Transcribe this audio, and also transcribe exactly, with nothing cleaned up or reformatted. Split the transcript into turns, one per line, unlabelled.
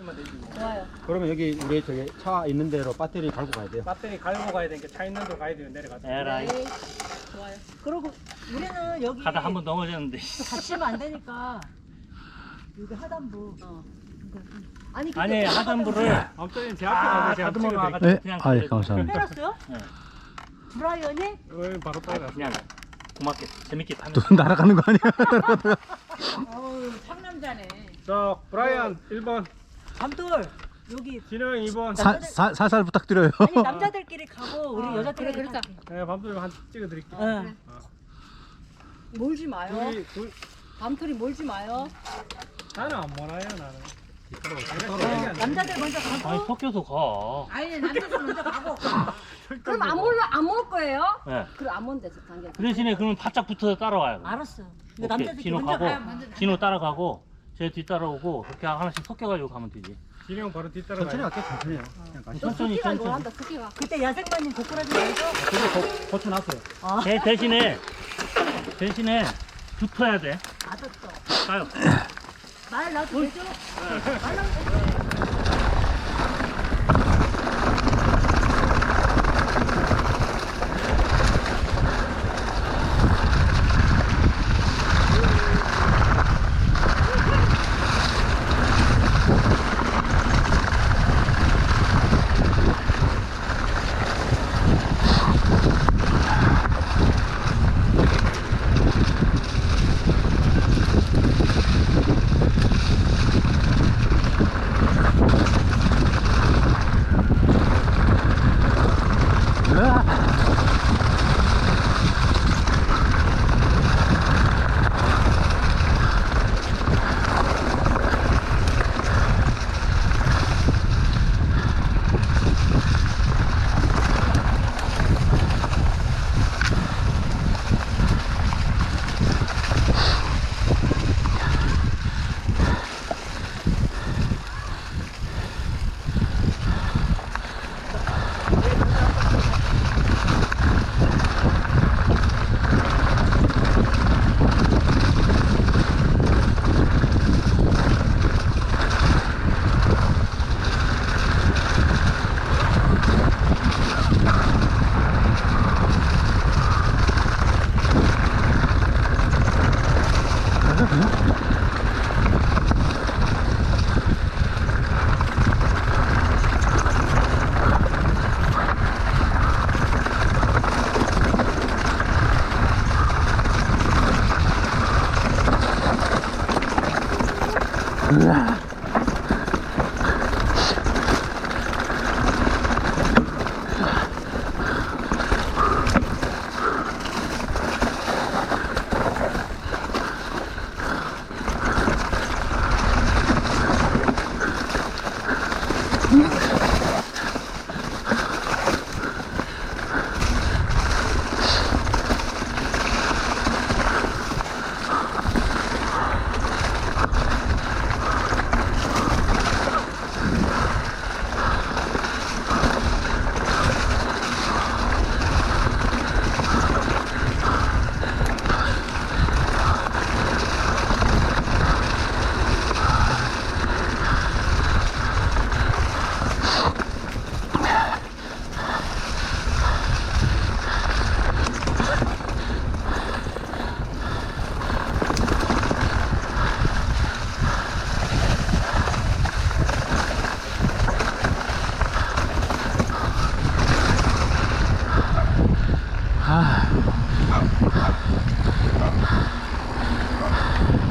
있으면 되지.
좋아요.
그러면 여기 우리 저기 차 있는 대로 배터리 갈고 가야 돼요.
배터리 갈고 가야 되니까 차 있는 데로 가야 돼요. 내려가서.
에라이.
네. 좋아요. 그리고 우리는 여기
가다 한 번 넘어졌는데.
갇히면 안 되니까 여기 하단부. 어. 아니 근데
아니 하단부를
아무튼 제 앞에 가서 제가
다듬어
찍어드릴게요.
놔가지고
네,
그냥
아이
그래도
감사합니다.
해놨어요?
네.
브라이언이?
어, 바로 따라.
그냥 고맙게 재밌게 타면.
또 날아가는 거 아니야?
어우 상남자네.
자, 브라이언 일 번,
밤돌 여기
진호 형 이 번.
사, 사, 살살 부탁드려요.
아니 남자들끼리 가고 우리
어,
여자들끼리
그래, 그러자.
갈게.
네, 밤도좀 한 찍어드릴게요.
응.
몰지 마요.
둘이, 둘,
밤틀이 몰지 마요.
나는 안 몰아요, 나는.
어, 남자들 먼저
아니
가고
섞여서 가.
아니 남자들 먼저 가고. 그럼 안 몰라 안몰 거예요?
네.
그럼 안 몰대 당겨.
그 대신에 그러면 바짝 붙어서 따라와요.
알았어. 근데
오케이.
남자들끼리
진호
먼저
가고
가요.
진호 따라가고 제 뒤 따라오고 그렇게 하나씩 섞여가지고 가면 되지.
진호 형 바로 뒤따라
천천히
가요.
갈게요. 천천히요. 그냥 가시죠.
천천히
스키가
천천히.
좋아한다 스키가.
그때 야생마님 고꾸라지 말고.
저기 고, 고쳐놨어요.
아,
대, 대신에 대신에 붙어야 돼.
알았어.
가요.
말 나도 되죠? 말 나도 되죠?
아.